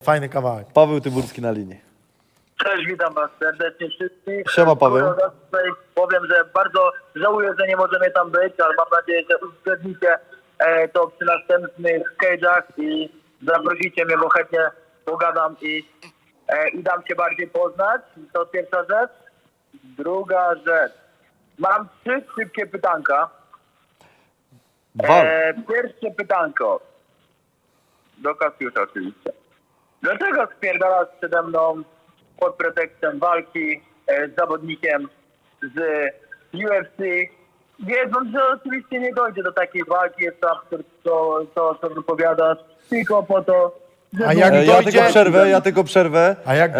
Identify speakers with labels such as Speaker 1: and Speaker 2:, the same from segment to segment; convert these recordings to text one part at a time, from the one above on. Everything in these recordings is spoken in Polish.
Speaker 1: Fajny kawałek.
Speaker 2: Paweł Tyburski na linii.
Speaker 3: Cześć, witam was serdecznie wszystkich.
Speaker 2: Siema, Paweł.
Speaker 3: Tutaj powiem, że bardzo żałuję, że nie możemy tam być, ale mam nadzieję, że uwzględnicie to przy następnych cage'ach i zaprosicie mnie, bo chętnie pogadam i dam się bardziej poznać. To pierwsza rzecz. Druga rzecz. Mam 3 szybkie pytanka.
Speaker 2: Dwa.
Speaker 3: Pierwsze pytanko. Do Kasiusza oczywiście. Dlaczego spierdalasz przede mną pod pretekstem walki z zawodnikiem z UFC, wiedząc, że oczywiście nie dojdzie do takiej walki, jest to absurd, co wypowiadasz, tylko po to, że...
Speaker 1: A jak
Speaker 2: Ja tylko przerwę.
Speaker 1: A jak-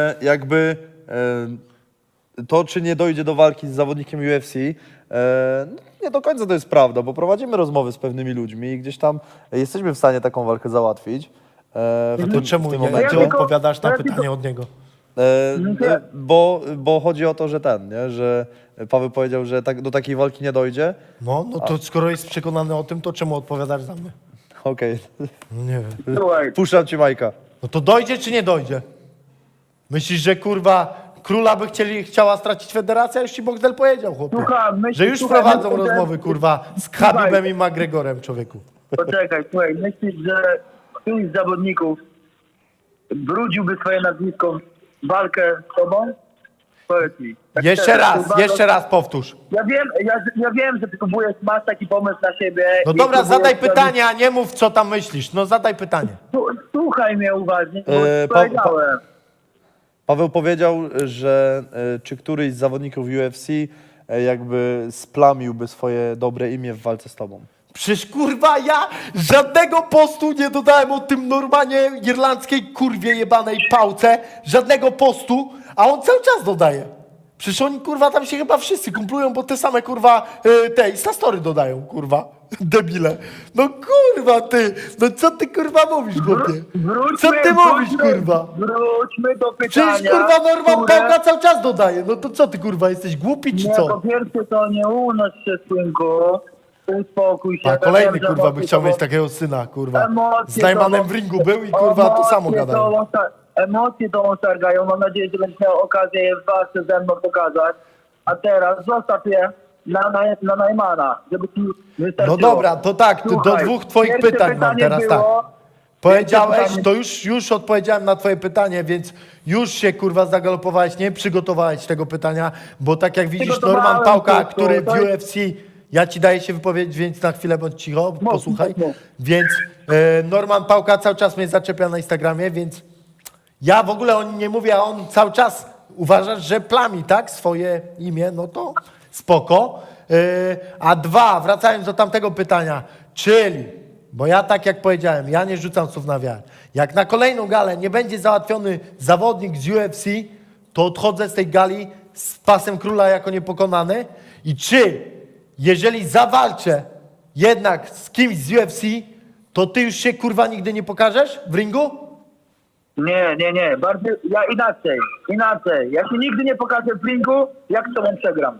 Speaker 2: To, czy nie dojdzie do walki z zawodnikiem UFC, nie do końca to jest prawda, bo prowadzimy rozmowy z pewnymi ludźmi i gdzieś tam jesteśmy w stanie taką walkę załatwić.
Speaker 1: To czemu
Speaker 2: w tym
Speaker 1: nie?
Speaker 2: momencie.
Speaker 1: Ty odpowiadasz na pytanie od niego.
Speaker 2: Bo chodzi o to, że że Paweł powiedział, że do takiej walki nie dojdzie.
Speaker 1: No to skoro jest przekonany o tym, to czemu odpowiadasz za mnie?
Speaker 2: Okej.
Speaker 1: No nie wiem.
Speaker 3: Słuchaj,
Speaker 2: Puszczam ci Majka.
Speaker 1: No to dojdzie czy nie dojdzie? Myślisz, że kurwa króla by chciała stracić federacja? Już ci Bogdel powiedział, chłopie. Że już prowadzą rozmowy, kurwa, z Khabibem i McGregorem, człowieku.
Speaker 3: Poczekaj, słuchaj, myślisz, że któryś z zawodników brudziłby swoje nazwisko w walkę z tobą? Powiedz mi. Tak
Speaker 1: Jeszcze raz powtórz.
Speaker 3: Ja wiem, że masz taki pomysł na siebie.
Speaker 1: No
Speaker 3: i
Speaker 1: dobra,
Speaker 3: próbujesz
Speaker 1: zadaj
Speaker 3: zrobić-
Speaker 1: pytanie, a nie mów, co tam myślisz. No zadaj pytanie.
Speaker 3: Słuchaj mnie uważnie, bo powiedziałem.
Speaker 2: Paweł powiedział, że czy któryś z zawodników UFC jakby splamiłby swoje dobre imię w walce z tobą.
Speaker 1: Przecież kurwa ja żadnego postu nie dodałem o tym Normanie irlandzkiej kurwie jebanej pałce. Żadnego postu, a on cały czas dodaje. Przecież oni kurwa tam się chyba wszyscy kumplują, bo te same kurwa te Instastory dodają kurwa. Debile. No kurwa ty, no co ty kurwa mówisz chłopie? Co ty mówisz kurwa?
Speaker 3: Wróćmy do pytania.
Speaker 1: Przecież kurwa Norman
Speaker 3: które-
Speaker 1: Pałka cały czas dodaje. No to co ty kurwa, jesteś głupi czy
Speaker 3: Nie,
Speaker 1: co?
Speaker 3: po pierwsze to nie unoś się, synku. Uspokój się.
Speaker 1: A
Speaker 3: Ja
Speaker 1: kolejny
Speaker 3: wiem, że
Speaker 1: kurwa by
Speaker 3: emocje
Speaker 1: chciał
Speaker 3: to-
Speaker 1: mieć takiego syna, kurwa.
Speaker 3: emocje
Speaker 1: Z Najmanem
Speaker 3: to-
Speaker 1: w ringu był i kurwa to samo
Speaker 3: emocje
Speaker 1: gadają.
Speaker 3: Emocje to ostargają. Mam nadzieję, że będziesz miał okazję je w walce ze mną pokazać. A teraz zostaw je na Najmana, żeby ci wystarczyło.
Speaker 1: No dobra, to tak, do
Speaker 3: Słuchaj,
Speaker 1: 2 twoich
Speaker 3: pierwsze
Speaker 1: pytań mam
Speaker 3: pytanie
Speaker 1: teraz tak.
Speaker 3: było-
Speaker 1: Powiedziałeś,
Speaker 3: pierwsze pytanie-
Speaker 1: to już odpowiedziałem na twoje pytanie, więc już się kurwa zagalopowałeś, nie przygotowałeś tego pytania, bo tak jak widzisz
Speaker 3: Przygotowałem
Speaker 1: Norman Pałka,
Speaker 3: tylko,
Speaker 1: który w
Speaker 3: to jest-
Speaker 1: UFC, ja ci daję się wypowiedzieć, więc na chwilę bądź cicho, posłuchaj.
Speaker 3: mów.
Speaker 1: Więc Norman Pałka cały czas mnie zaczepia na Instagramie, więc ja w ogóle o nim nie mówię, a on cały czas uważasz, że plami, tak? Swoje imię, no to spoko. A 2, wracając do tamtego pytania, czyli, bo ja tak jak powiedziałem, ja nie rzucam słów na wiarę. Jak na kolejną galę nie będzie załatwiony zawodnik z UFC, to odchodzę z tej gali z pasem króla jako niepokonany. I czy, jeżeli zawalczę jednak z kimś z UFC, to ty już się kurwa nigdy nie pokażesz w ringu?
Speaker 3: Nie. Bardziej, ja inaczej. Ja się nigdy nie pokażę w ringu, jak z tobą przegram.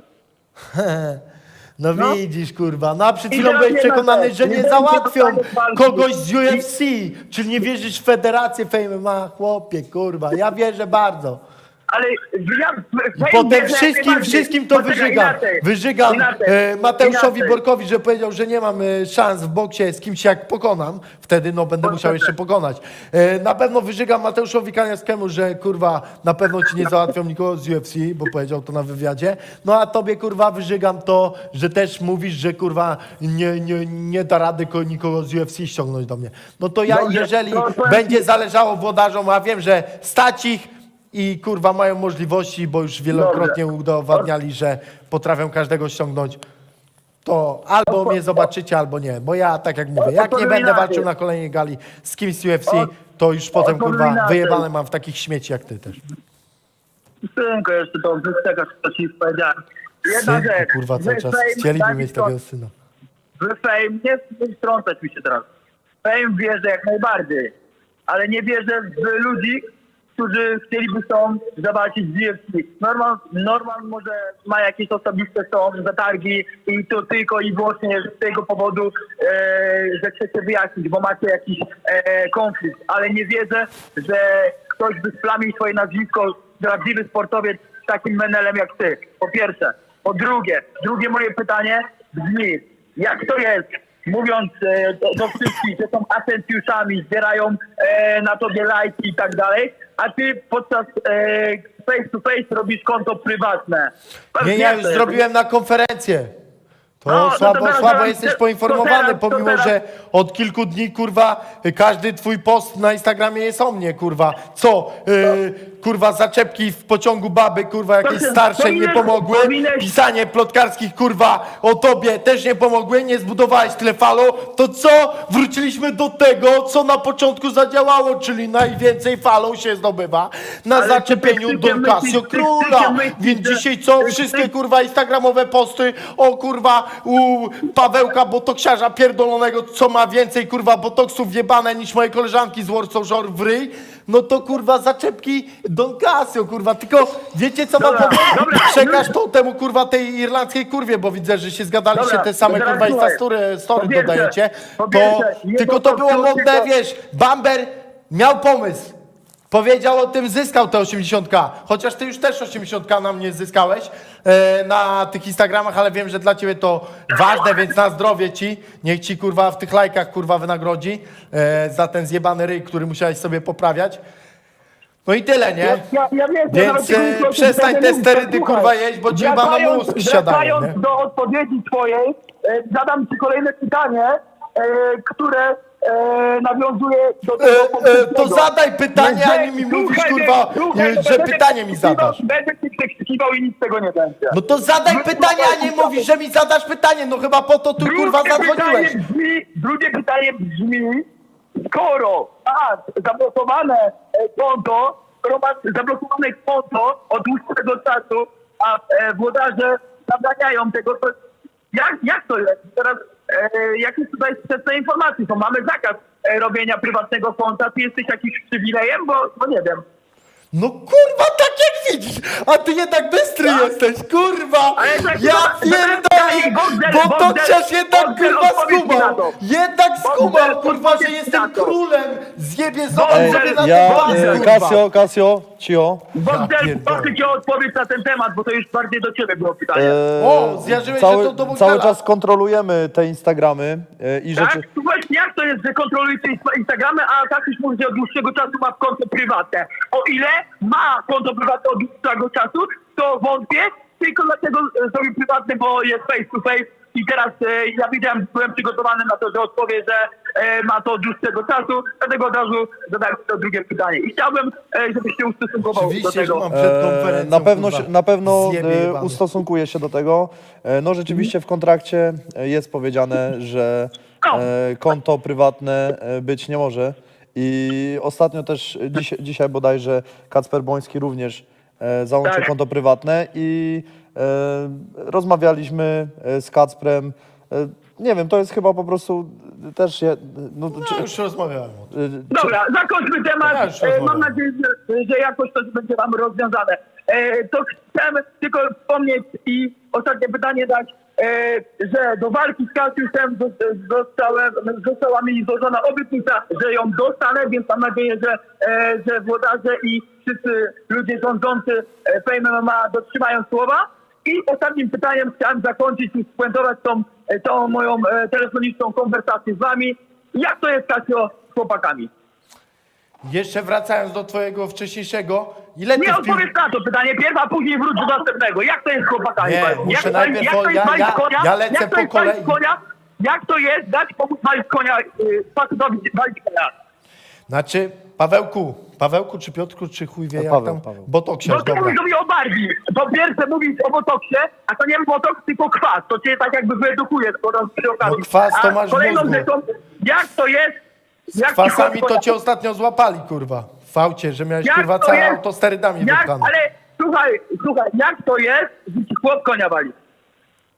Speaker 1: No,
Speaker 3: No.
Speaker 1: widzisz, kurwa. No a przed
Speaker 3: I
Speaker 1: chwilą
Speaker 3: teraz
Speaker 1: byłeś
Speaker 3: jedna
Speaker 1: przekonany,
Speaker 3: rzecz.
Speaker 1: że
Speaker 3: Nie
Speaker 1: nie
Speaker 3: będzie
Speaker 1: załatwią
Speaker 3: dostanie walki.
Speaker 1: kogoś z UFC. Czyli nie wierzysz w Federację Fame MMA? Chłopie, kurwa. Ja wierzę bardzo.
Speaker 3: Ale ja...
Speaker 1: I potem wszystkim to wyżygam Mateuszowi Borkowi, że powiedział, że nie mam szans w boksie z kimś jak pokonam. Wtedy no będę musiał jeszcze pokonać. Na pewno wyżygam Mateuszowi Kaniawskiemu, że kurwa na pewno ci nie załatwią nikogo z UFC, bo powiedział to na wywiadzie. No a tobie kurwa wyżygam to, że też mówisz, że kurwa nie da rady nikogo z UFC ściągnąć do mnie. No to ja,
Speaker 3: Dobrze,
Speaker 1: jeżeli
Speaker 3: to powiem
Speaker 1: będzie
Speaker 3: ci-
Speaker 1: zależało włodarzom, a wiem, że stać ich i kurwa mają możliwości, bo już wielokrotnie udowadniali, że potrafią każdego ściągnąć, to albo mnie zobaczycie, albo nie. Bo ja, tak jak mówię, jak nie będę walczył na kolejnej gali z kimś z UFC, to już potem kurwa wyjebane mam w takich śmieci jak ty też.
Speaker 3: Synku, jeszcze to wystegasz, co ci powiedziałem. Jedna
Speaker 1: Synku,
Speaker 3: rzecz.
Speaker 1: kurwa, cały czas
Speaker 3: Fame,
Speaker 1: chcieliby
Speaker 3: taki
Speaker 1: mieć
Speaker 3: to-
Speaker 1: takiego syna.
Speaker 3: W Fame, nie wtrącać mi się teraz. Fame wierzę jak najbardziej, ale nie wierzę w ludzi, którzy chcieliby zawalczyć z UFC. Norman może ma jakieś osobiste zatargi i to tylko i wyłącznie z tego powodu, że chcecie wyjaśnić, bo macie jakiś konflikt, ale nie wierzę, że ktoś by splamił swoje nazwisko, prawdziwy sportowiec z takim menelem jak ty. Po pierwsze. Po drugie moje pytanie brzmi, jak to jest, mówiąc do wszystkich, że są atencjuszami, zbierają na tobie lajki i tak dalej, a ty podczas face to face robisz konto prywatne.
Speaker 1: Nie, ja już zrobiłem na konferencję. To
Speaker 3: No,
Speaker 1: słabo jesteś poinformowany, pomimo że od kilku dni, kurwa, każdy twój post na Instagramie jest o mnie, kurwa. Co? Kurwa, zaczepki w pociągu baby, kurwa, jakieś starsze nie pomogły. Pisanie plotkarskich, kurwa, o tobie też nie pomogły. Nie zbudowałeś tyle follow. To co? Wróciliśmy do tego, co na początku zadziałało, czyli najwięcej follow się zdobywa na
Speaker 3: Ale
Speaker 1: zaczepieniu
Speaker 3: ty
Speaker 1: Don
Speaker 3: myślisz,
Speaker 1: Casio
Speaker 3: ty
Speaker 1: Króla.
Speaker 3: myślisz,
Speaker 1: Więc
Speaker 3: że-
Speaker 1: dzisiaj co?
Speaker 3: ty-
Speaker 1: Wszystkie, kurwa, instagramowe posty o, kurwa, u Pawełka botoksiarza pierdolonego, co ma więcej, kurwa, botoksów jebane niż moje koleżanki z Warsaw Shore w ryj, no to, kurwa, zaczepki Don Casio, kurwa. Tylko wiecie, co wam
Speaker 3: Dobra,
Speaker 1: powiem?
Speaker 3: dobra.
Speaker 1: Przekaż to temu, kurwa, tej irlandzkiej kurwie, bo widzę, że się zgadaliście
Speaker 3: Dobra,
Speaker 1: te same,
Speaker 3: teraz
Speaker 1: kurwa,
Speaker 3: słuchaj.
Speaker 1: story
Speaker 3: Po pierwsze,
Speaker 1: dodajecie.
Speaker 3: po
Speaker 1: To,
Speaker 3: pierwsze, nie
Speaker 1: tylko to było
Speaker 3: botoks,
Speaker 1: modne,
Speaker 3: tylko-
Speaker 1: wiesz, Bamber miał pomysł. Powiedział o tym, zyskał te 80k. Chociaż ty już też 80k na mnie zyskałeś na tych Instagramach, ale wiem, że dla ciebie to ważne, więc na zdrowie ci. Niech ci, kurwa, w tych lajkach, kurwa, wynagrodzi za ten zjebany ryj, który musiałeś sobie poprawiać. No i tyle, nie?
Speaker 3: Ja wiem,
Speaker 1: Więc przestań te sterydy, kurwa, jeść, bo ci chyba na mózg siadają, nie?
Speaker 3: Wracając do odpowiedzi twojej, zadam ci kolejne pytanie, które nawiązuje do tego
Speaker 1: To
Speaker 3: poprzedniego.
Speaker 1: zadaj pytanie, a nie mi mówisz, kurwa, że pytanie mi zadasz.
Speaker 3: Będę ci przekrzykiwał i nic z tego nie będzie.
Speaker 1: No to zadaj pytanie, a nie mówisz, że mi zadasz pytanie. No chyba po to tu, kurwa, zadzwoniłeś.
Speaker 3: Drugie pytanie brzmi, skoro masz zablokowane konto, od dłuższego czasu, a włodarze zabraniają tego, to jak to jest? Teraz jakie tutaj sprzeczne informacje są? Mamy zakaz robienia prywatnego konta, ty jesteś jakimś przywilejem, bo nie wiem.
Speaker 1: No kurwa, tak jak widzisz, a ty jednak bystry jesteś, kurwa!
Speaker 3: Ale tak,
Speaker 1: Ja
Speaker 3: tak,
Speaker 1: pierdolę,
Speaker 3: Bogdan,
Speaker 1: bo to przecież jednak,
Speaker 3: Bogdan,
Speaker 1: kurwa,
Speaker 3: odpowiedz mi na
Speaker 1: skumał!
Speaker 3: to.
Speaker 1: Jednak skumał,
Speaker 3: Bogdan,
Speaker 1: kurwa, że
Speaker 3: odpowiedz mi
Speaker 1: jestem
Speaker 3: na to.
Speaker 1: królem! Zjebie,
Speaker 3: Bogdan,
Speaker 1: zobacz sobie na
Speaker 2: Ja,
Speaker 1: ten pas, kurwa!
Speaker 2: Kasio, cio.
Speaker 3: Bogdan,
Speaker 1: pierdolę.
Speaker 3: proszę cię o odpowiedź na ten temat, bo to już bardziej do ciebie było pytanie.
Speaker 1: O, zjarzyłeś się to do Bogdana.
Speaker 2: Cały czas kontrolujemy te Instagramy i
Speaker 3: Tak?
Speaker 2: rzeczy...
Speaker 3: To właśnie jak to jest, że kontrolujecie Instagramy, a tak już mówi, że od dłuższego czasu ma konto prywatne. O ile ma konto prywatne od dłuższego czasu, to wątpię, tylko dlatego zrobił prywatne, bo jest face to face i teraz ja wiedziałem, byłem przygotowany na to, że odpowie, że ma to od dłuższego czasu, dlatego od razu zadałem to drugie pytanie. I chciałbym, żebyś się ustosunkował do
Speaker 1: Oczywiście, że
Speaker 3: tego.
Speaker 1: mam przed konferencją, kurwa,
Speaker 2: Na pewno
Speaker 1: zjebie jebany.
Speaker 2: ustosunkuję się do tego. No rzeczywiście w kontrakcie jest powiedziane, że konto prywatne być nie może. I ostatnio też, dzisiaj bodajże Kacper Boński również załączył
Speaker 3: Tak.
Speaker 2: konto prywatne i rozmawialiśmy z Kacprem. Nie wiem, to jest chyba po prostu też... No,
Speaker 1: No, już rozmawiałem o tym.
Speaker 3: Dobra, zakończmy temat.
Speaker 1: Ja już rozmawiam.
Speaker 3: Mam nadzieję, że jakoś to będzie wam rozwiązane. To chcę tylko wspomnieć i ostatnie pytanie dać, że do walki z Kasiuszem została mi złożona obietnica, że ją dostanę, więc mam nadzieję, że włodarze i wszyscy ludzie rządzący Fame MMA dotrzymają słowa. I ostatnim pytaniem chciałem zakończyć i spuentować tą moją telefoniczną konwersację z wami. Jak to jest, Kasio, z chłopakami?
Speaker 1: Jeszcze wracając do twojego wcześniejszego, ile ty
Speaker 3: Nie
Speaker 1: w pił...
Speaker 3: odpowiedz na to pytanie pierw, a później wróć do następnego. Jak to jest z chłopakami?
Speaker 1: Nie,
Speaker 3: Powiedz mi?
Speaker 1: muszę
Speaker 3: Jak
Speaker 1: najpierw
Speaker 3: jak to jest
Speaker 1: ja-
Speaker 3: walić
Speaker 1: ja-
Speaker 3: konia?
Speaker 1: ja lecę
Speaker 3: Jak to
Speaker 1: po
Speaker 3: jest walić
Speaker 1: kolei.
Speaker 3: konia? Jak to jest dać pomóc walić konia, facetowi walić konia?
Speaker 1: Znaczy, Pawełku czy Piotrku, czy chuj wie jak
Speaker 2: Paweł,
Speaker 1: tam?
Speaker 2: Paweł.
Speaker 1: Botoksiarz,
Speaker 3: No ty
Speaker 1: dobra.
Speaker 3: mówisz mi o Barbie. Po pierwsze mówisz o botoksie, a to nie botoks, tylko kwas. To cię tak jakby wyedukuje przy okazji.
Speaker 1: No kwas to
Speaker 3: A
Speaker 1: masz w
Speaker 3: kolejną
Speaker 1: mózgu.
Speaker 3: rzeczą, jak to jest...
Speaker 1: Z kwasami to cię ostatnio złapali, kurwa. W faucie, że miałeś,
Speaker 3: Jak
Speaker 1: kurwa,
Speaker 3: to
Speaker 1: całe
Speaker 3: jest?
Speaker 1: auto sterydami wypchane.
Speaker 3: Ale słuchaj, jak to jest, że ci chłop konia wali?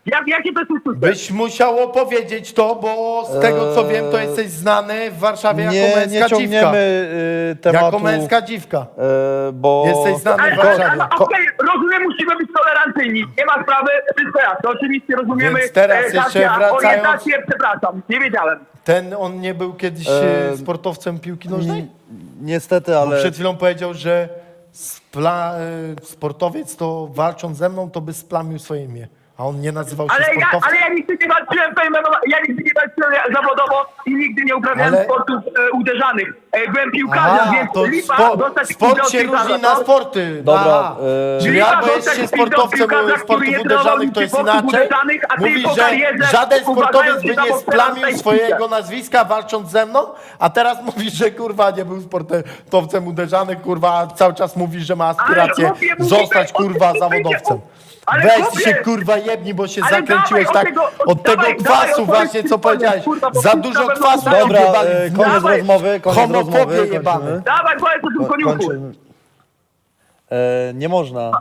Speaker 3: Jakie to jest uczucie?
Speaker 1: Byś musiał opowiedzieć to, bo z tego co wiem, to jesteś znany w Warszawie jako
Speaker 2: Nie
Speaker 1: męska dziwka.
Speaker 2: ciągniemy tematu,
Speaker 1: Jako męska dziwka.
Speaker 2: bo...
Speaker 1: Jesteś znany w Warszawie.
Speaker 3: Okej, rozumiem, musimy być tolerancyjni. Nie ma sprawy, wszystko jasne. Oczywiście rozumiemy.
Speaker 1: Więc teraz jeszcze
Speaker 3: Kasia,
Speaker 1: wracając-
Speaker 3: orientację, przepraszam, nie wiedziałem.
Speaker 1: On nie był kiedyś sportowcem piłki nożnej?
Speaker 2: Niestety,
Speaker 1: Bo
Speaker 2: ale...
Speaker 1: przed chwilą powiedział, że sportowiec to walcząc ze mną, to by splamił swoje imię. A on nie nazywał się sportowcem.
Speaker 3: Ale ja nigdy nie walczyłem ja nigdy nie walczyłem zawodowo i nigdy nie uprawiałem
Speaker 1: Ale-
Speaker 3: sportów uderzanych. Byłem piłkarzem,
Speaker 1: Aha,
Speaker 3: więc
Speaker 1: to
Speaker 3: lipa dostać
Speaker 1: sport
Speaker 3: pizdę
Speaker 1: się
Speaker 3: od piłkarza,
Speaker 1: różni na
Speaker 3: to-
Speaker 1: sporty.
Speaker 2: Dobra,
Speaker 1: Aha. Czyli
Speaker 3: Lipa
Speaker 1: albo jest
Speaker 3: dostać
Speaker 1: się
Speaker 3: pizdę od
Speaker 1: sportowcem
Speaker 3: piłkarza, który
Speaker 1: sportów
Speaker 3: nie trenował
Speaker 1: uderzanych, to jest
Speaker 3: sportów
Speaker 1: inaczej.
Speaker 3: uderzanych, a ty
Speaker 1: Mówi,
Speaker 3: po
Speaker 1: że
Speaker 3: karierze
Speaker 1: żaden sportowiec
Speaker 3: uważając
Speaker 1: by
Speaker 3: się za
Speaker 1: nie
Speaker 3: boksera,
Speaker 1: splamił
Speaker 3: dostajesz
Speaker 1: swojego
Speaker 3: pizzę.
Speaker 1: nazwiska walcząc ze mną, a teraz mówisz, że kurwa nie był sportowcem uderzanych, kurwa, a cały czas mówisz, że ma aspirację
Speaker 3: chłopie, mówimy
Speaker 1: zostać
Speaker 3: o tym,
Speaker 1: kurwa
Speaker 3: co
Speaker 1: zawodowcem.
Speaker 3: Ale
Speaker 1: Weź
Speaker 3: chłopie,
Speaker 1: się kurwa jebni, bo się
Speaker 3: ale
Speaker 1: zakręciłeś
Speaker 3: dawaj
Speaker 1: tak
Speaker 3: od tego- dawaj,
Speaker 1: kwasu
Speaker 3: opowiedz
Speaker 1: właśnie,
Speaker 3: mi
Speaker 1: co
Speaker 3: koniec,
Speaker 1: powiedziałeś.
Speaker 3: kurwa, bo
Speaker 1: Za
Speaker 3: wszyscy
Speaker 1: dużo
Speaker 3: będą
Speaker 1: kwasu
Speaker 3: oglądać.
Speaker 2: Dobra,
Speaker 1: wjebali w
Speaker 2: koniec
Speaker 3: Dawaj.
Speaker 2: rozmowy, koniec
Speaker 1: Homofobie
Speaker 2: rozmowy,
Speaker 1: jebane.
Speaker 2: kończymy.
Speaker 3: Dawaj, powiedz o tym koniuchu.
Speaker 2: Kończymy. Nie można.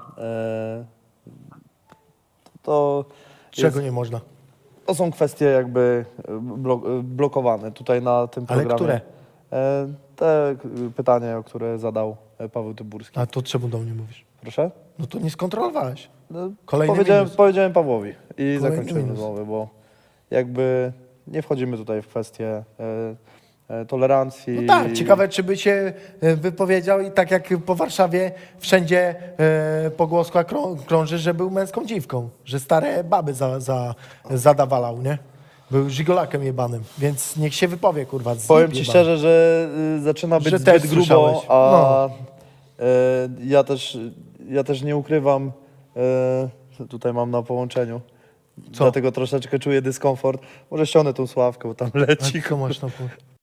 Speaker 2: To,
Speaker 1: Czego nie można?
Speaker 2: to są kwestie jakby blokowane tutaj na tym
Speaker 1: Ale
Speaker 2: programie.
Speaker 1: które?
Speaker 2: Te pytanie, o które zadał Paweł Tyburski.
Speaker 1: A to czemu do mnie mówisz?
Speaker 2: Proszę?
Speaker 1: No to nie skontrolowałeś.
Speaker 2: No,
Speaker 1: Kolejny minus.
Speaker 2: powiedziałem Pawłowi i zakończymy
Speaker 1: minus.
Speaker 2: rozmowę, bo jakby nie wchodzimy tutaj w kwestię tolerancji.
Speaker 1: No tak, ciekawe, czy by się wypowiedział i tak jak po Warszawie wszędzie pogłoska krąży, że był męską dziwką, że stare baby zadawalał, nie? Był żigolakiem jebanym, więc niech się wypowie, kurwa. zjeb
Speaker 2: Powiem ci
Speaker 1: jebany.
Speaker 2: szczerze, że zaczyna być
Speaker 1: Że
Speaker 2: zbyt
Speaker 1: też
Speaker 2: grubo,
Speaker 1: słyszałeś.
Speaker 2: a
Speaker 1: No.
Speaker 2: ja też nie ukrywam, tutaj mam na połączeniu,
Speaker 1: Co?
Speaker 2: dlatego troszeczkę czuję dyskomfort. Może ściągnę tą sławkę, bo tam leci.
Speaker 1: A co masz na pół?